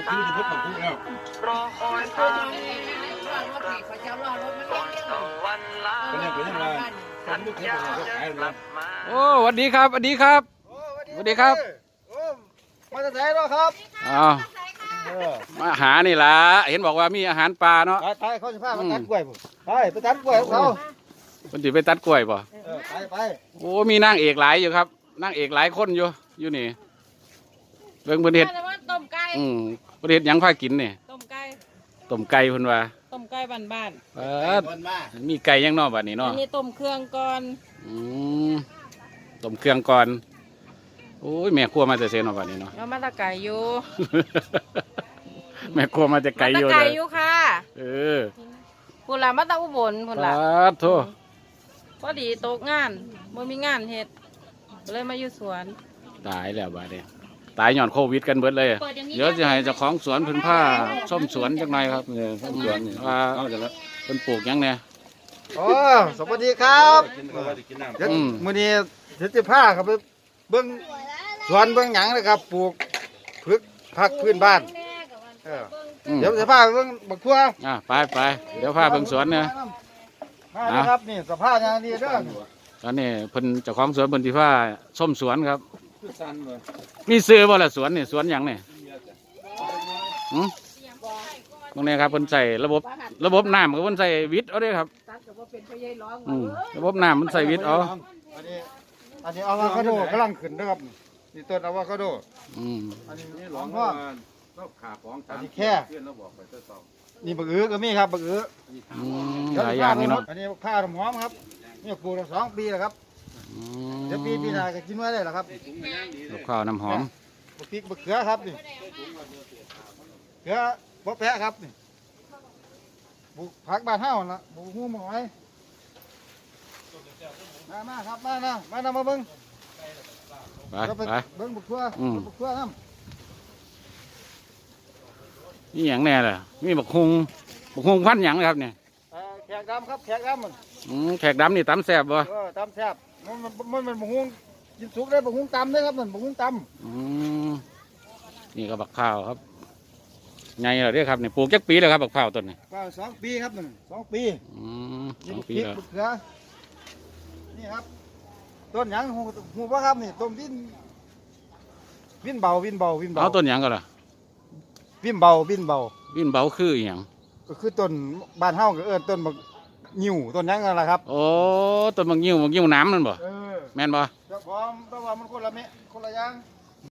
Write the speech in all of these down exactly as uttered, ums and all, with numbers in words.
ซื้อที่พุทธของพุทธแล้วรอคอยทางเป็นยังเป็นยังไงผมลูกเทพเป็นยังไงครับโอ้สวัสดีครับสวัสดีครับสวัสดีครับมาจากไหนเนาะครับอ้าวมาหานี่ล่ะเห็นบอกว่ามีอาหารปลาเนาะไปเขาจะพาไปตัดกล้วยผมไปไปตัดกล้วยเขาคนจะไปตัดกล้วยป่ะไปไปโอ้มีนางเอกหลายอยู่ครับนางเอกหลายคนอยู่อยู่นี่เรื่องประเทศต้มไก่อืมประเทศยังพากินเนี่ยต้มไก่ต้มไก่คนว่าต้มไก่บ้านๆเออมีไก่ยังนอกบัดนี้เนาะอันนี้ต้มเครื่องก่อนอืมต้มเครื่องก่อนโอ้ยแม่ครัวมาจะเซนออกบัดนี้เนาะเอามาตะไก่อยู่แม่ครัวมาจะไก่อยู่เลยมาตะไก่อยู่ค่ะเออพุ่นละมาตะอุบลพุ่นละโธ่พอดีตกงานบ่มีงานเฮ็ดเลยมาอยู่สวนตายแล้วบัดนี้ตายหย่อนโควิดกันเบิดเลยเดี๋ยวจะให้เจ้าของสวนพื้นผ้าส้มสวนจังไงครับเนี่ยส้มสวนว่าเป็นปลูกยังเนี่ยโอ้สวัสดีครับเดี๋ยวมื้อนี้เดี๋ยวจะพาครับไปเบื้องสวนเบื้องหยังนะครับปลูกพืชผักพื้นบ้านเดี๋ยวจะพาไปเบื้องบักทั่วอ่ะไปไปเดี๋ยวพาเบื้องสวนเนี่ยมาครับนี่สภาพอย่างนี้เด้อตอนนี้เพิ่นเจ้าของสวนเพิ่นที่ว่าส้มสวนครับมีซื้อบ่ล่ะสวนนี่สวนหยังนี่หืมตรงนี้ครับเพิ่นใส่ระบบระบบน้ำก็เพิ่นใส่วิทย์เอาด้วยครับอืมระบบน้ำมันใส่วิทย์เอาอันนี้อันนี้อะโวคาโดกำลังขึ้นนะครับนี่ต้นอะโวคาโดอืมอันนี้หลงพ่ออันนี้แค่นี่บักอื้อก็มีครับบักอื้อหลายอย่างนี่เนาะอันนี้ข้าวหอมครับนี่ปลูกมาสองปีแล้วครับเดี๋ยวปีปีหน้าก็กินไว้ได้แล้วครับลูกข้าวน้ำหอมบักพริกบักเขือครับนี่เขือบักแพะครับนี่ปลูกผักบ้านเฮาละปลูกหูหมอยมามาครับมานะมานะมาเบิ้งไปไปเบิ้งบักทั่วบักทั่วน้ำนี่อย่างแน่เลยมีบักฮุงบักฮุงพันอย่างนะครับเนี่ยแขกดำครับแขกดำมันอืมแขกดำนี่ตำแซ่บบ่เออตำแซ่บมันมันมันบักฮุงกินสุกได้บักฮุงตำได้ครับมันบักฮุงตำอืมนี่ก็บักข้าวครับไงเหรอเรียกครับเนี่ยปลูกจักปีแล้วครับบักข้าวต้นนี่ข้าวสองปีครับหนึ่งสองปีอืมสองปีแล้วนี่ครับต้นหยังหูหูว่าครับนี่ต้นวินวินเบาวินเบาวินเบาเอาต้นหยังก็ล่ะวินเบาวินเบาวินเบาคืออย่างก็คือต้นบ้านเฮาก็เอิ้นต้นบักงิ้วต้นหยังนั่นแหละครับโอ้ต้นบักงิ้วบักงิ้วน้ำนั่นบ่แม่นบ่เจ้าของแต่ว่ามันคนละเมะคนละอย่าง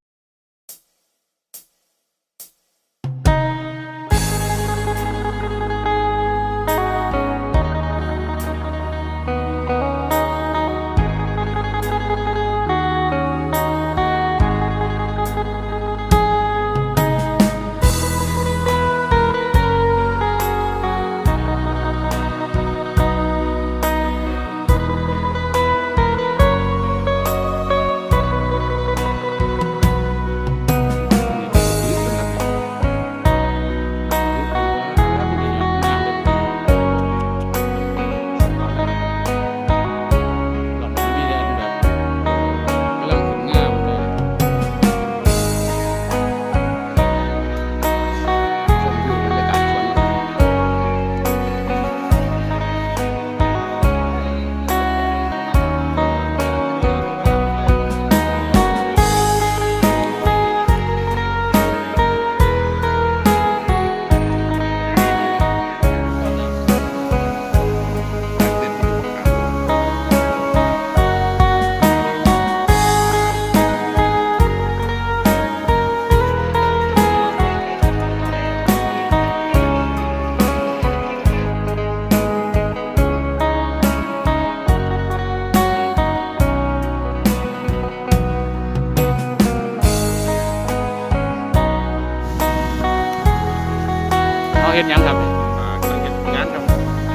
เห็นยังครับงานครับ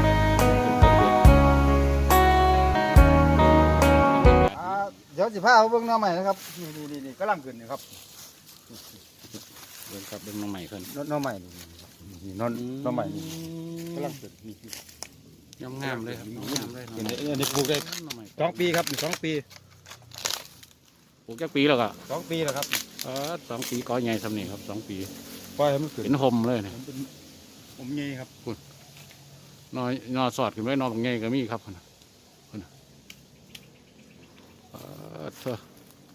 เดี๋ยวสิพาเอาเบิ้งหน้าใหม่นะครับนี่นี่นี่กำลังขึ้นนี่ครับเบิ้งครับเบิ้งน้องใหม่ขึ้นน้องใหม่นี่น้องน้องใหม่นี่กำลังขึ้นนี่งามงามเลยครับงามเลยอันนี้ปลูกได้สองปีครับสองปีปลูกแค่ปีแล้วก็สองปีแล้วครับเออสองปีก้อยใหญ่สำเนียงครับสองปีปล่อยให้มันขึ้นเป็นห่มเลยนี่มันเป็นผมใหญ่ครับนอนนอนสอดขึ้นไว้นอนบางไงก็มีครับพุ่นน่ะพุ่นน่ะเออเถอะ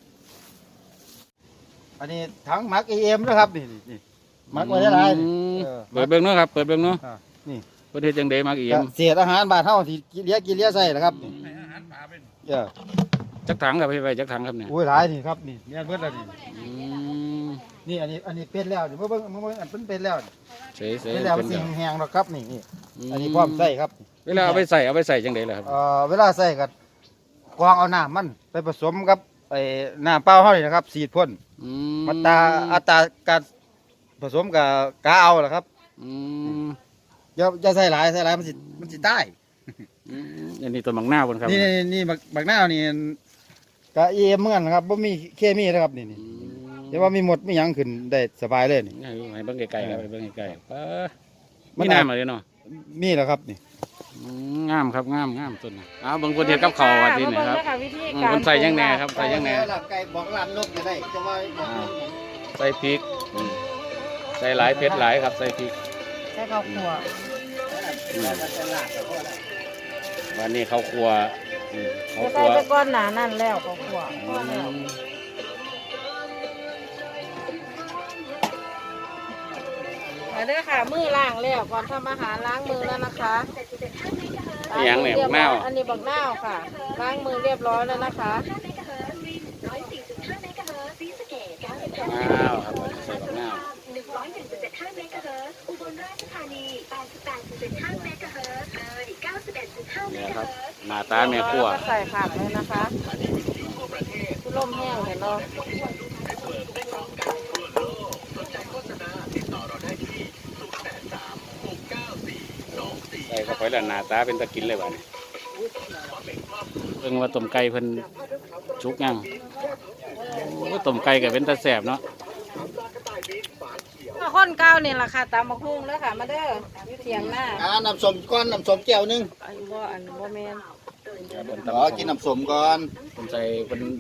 อันนี้ถังหมักเอ็มนะครับนี่นี่นี่หมักไว้ได้หลายนี่อืมเออเปิดเบิ่งเนาะครับเปิดเบิ่งเนาะอ่านี่ประเทศจังเดมาเอี่ยก็มเศษอาหารบ้านเฮาที่กินเลี้ยกินเลี้ยใส่นะครับนี่ให้อาหารปลาเป็นเออจักถังครับพี่ไปจักถังครับเนี่ยโอ้ยหลายนี่ครับนี่แม่นเบิดแล้วนี่อืมนี่อันนี้อันนี้เป็นแล้วนี่เบิ่งเบิ่งเบิ่งอันเป็นเป็นแล้วนี่เสยเสยเป็นแล้วเป็นสิ่แล้งวแห้งแล้วครับนี่นี่อันนี้พร้อมใส่ครับเวลาเอาไปใส่เอาไปใส่จังเดล่ะครับเอ่อเวลาใส่ก็กรองเอาน้ำมันไปผสมกับไอ้น้ำเปล่าเฮานี่นะครับสีดพ่นอืมอัตราอัตราการผสมกับกาเอาล่ะครับอืมอย่าอย่าใส่หลายใส่หลายมันสิมันสิตายอืมอันนี้ต้นบักหน้าวบนครับนี่นี่นี่บักบักหน้าวนี่กะเอ็มเหมือนกันครับบ่มีเคมีนะครับนี่นี่อืมแต่ว่ามีหมดมีหยังขึ้นได้สบายเลยนี่ให้เบิ่งไกลๆครับให้เบิ่งไกลๆเออมันมีน้ำอะไรเนาะมีแล้วครับนี่อืมงามครับงามงามต้นน่ะเอาเบิ่งคนเฮ็ดกับข้าวว่าที่นี่ครับมาเงเด้อวิธีอืมการคนใส่ยังแหน่ครับใส่ยังแหน่ลาบไก่บอกลาบนกก็ได้จะว่าบอกอ่าใส่พริกอืมใส่หลายเผ็ดหลายครับใส่พริกใส่ข้าวคั่วอืมวันนี้เขาวครัวอืมเขาวจะคใส่รัวตะก้อนหนานั่นแล้วข้าวคั่วพอแล้วอืมมาเด้อค่ะมือล้างแล้วก่อนทำอาหารล้างมือแล้วนะคะนี่หยังเนี่ยบักนาวอันนี้บักนาวค่ะ ล้างมือเรียบร้อยแล้วนะคะอ้าวครับใส่บักนาวหนึ่งร้อยหนึ่งจุดเจ็ดห้าเมกะเฮิรตซ์อุบลราชธานีแปดสิบแปดจุดเจ็ดห้าเมกะเฮิรตซ์เลยเก้าสิบเอ็ดจุดห้าเมเนี่ยกะครับเฮิรตซ์หน้าตาแม่ครัวแล้วก็ใส่ผักเลยนะคะผู้ล่มแห้งเห็นเนาะใส่เข้าไปแล้วหน้าตาเป็นตะกินเลยว่ะนี่เพิ่งว่าต้มไก่เพิ่นชุกยังโอ้ต้มไก่ก็เป็นตะแสบเนาะมาข้นเก้านี่แหละค่ะตามมาคุ้งแล้วค่ะ มาเด้ออยู่เถียงหน้าอ่าน้ำส้มก้อนน้ำส้มแก้วนึงอันบ่อันบ่แมนเพิ่นอ๋อตำกินน้ำส้มก่อนเพิ่นใส่เพิ่น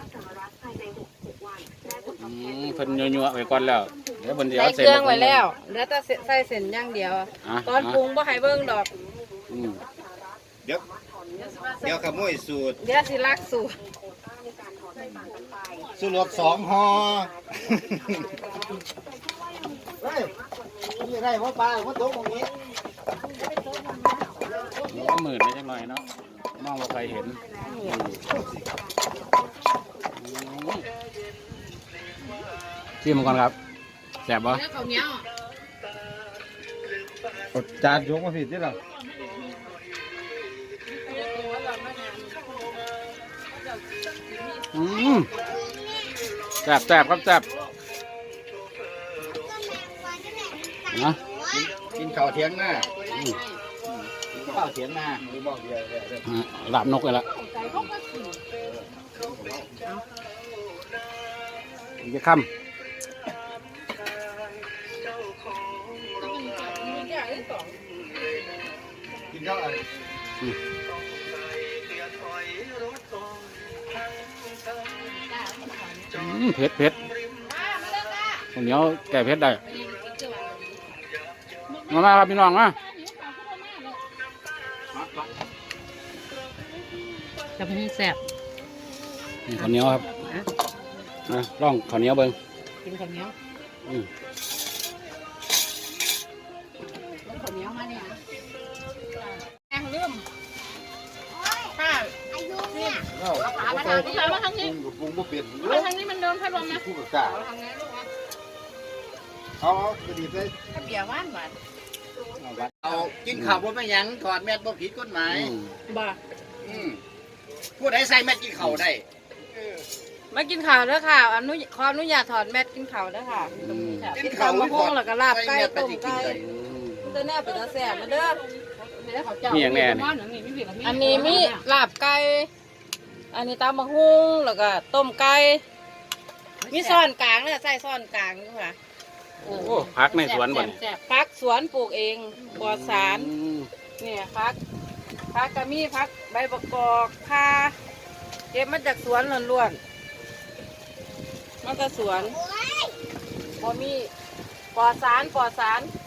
อืมเพิ่นยั่วๆไว้ก่อนแล้วเดี๋ยวเพิ่นสิใส่เอาเคเส้นรื่องมาไว้แล้วเหลือแต่ใส่เส้นอย่างเดียวอ่ะตอนปรุงบ่ให้เบิ่งดอกอืมเดี๋ยวเดี๋ยวขโมยสูตรเดี๋ยวสิลักสูตรสูตรสองห่อเฮ้ยนี่ได้พ่อปลาพ่อตุ๊กตรงนี้มันก็หมื่นไปจังหน่อยเนาะมองว่าใครเห็นชิมก่อนครับแซ่บปะเอาจานยกมาผิดที่หรออืมแซ่บแซ่บครับแซ่บนะกินข้าวเทียงหน้าข้าวเทียงหน้าหรือบอกเดียวเดียวเดียวอ่ะหลับนกเลยละอีกจะค่ำกินข้าวอะไรอืมเผ็ดเผ็ดคนเหนียวแก่เผ็ดได้มามาครับพี่น้องมาจะเป็นแซ่บนี่ข้าวเหนียวครับนะลองข้าวเหนียวเบิ้งกินข้าวเหนียวอืมข้าวเหนียวมาเนี่ยแองลืมค่ะเอาขามาทางนี้มาทางนี้ปรุงปรุงเปลี่ยนมาทางนี้มันโดนพัดลมนะคู่กับกาทางนี้ลูกนะเอาเอากระดิ่งเลยข้าวเบียร์หวานหวานเอากินข้าวบนไม่ยั้งถอดแมสบ่ผิดกฎหมายอืมบ่าอืมผู้ใดใส่แมสกินข้าวได้มากินข้าวเด้อค่ะอนุขออนุญาตถอดแมสกินข้าวเด้อค่ะอืมกินข้าวมะพร้าวแล้วก็ลาบไก่ต้มไก่อืมตัวแน่เป็นตาแซ่บมาเด้อมีอย่างแน่นี่อันนี้มีลาบไก่ อันนี้ตำมะฮุ่งแล้วก็ต้มไก่ มีซ่อนกลางเนี่ยใส่ซ่อนกลางอยู่ค่ะโอ้พักในสวนบ่นี่พักสวนปลูกเองปลอดสารอืมเนี่ยพักพักก็มีพักใบประกอบข่าเก็บมาจากสวนล้วนๆมาจากสวนพอมีปลอดสารปลอดสาร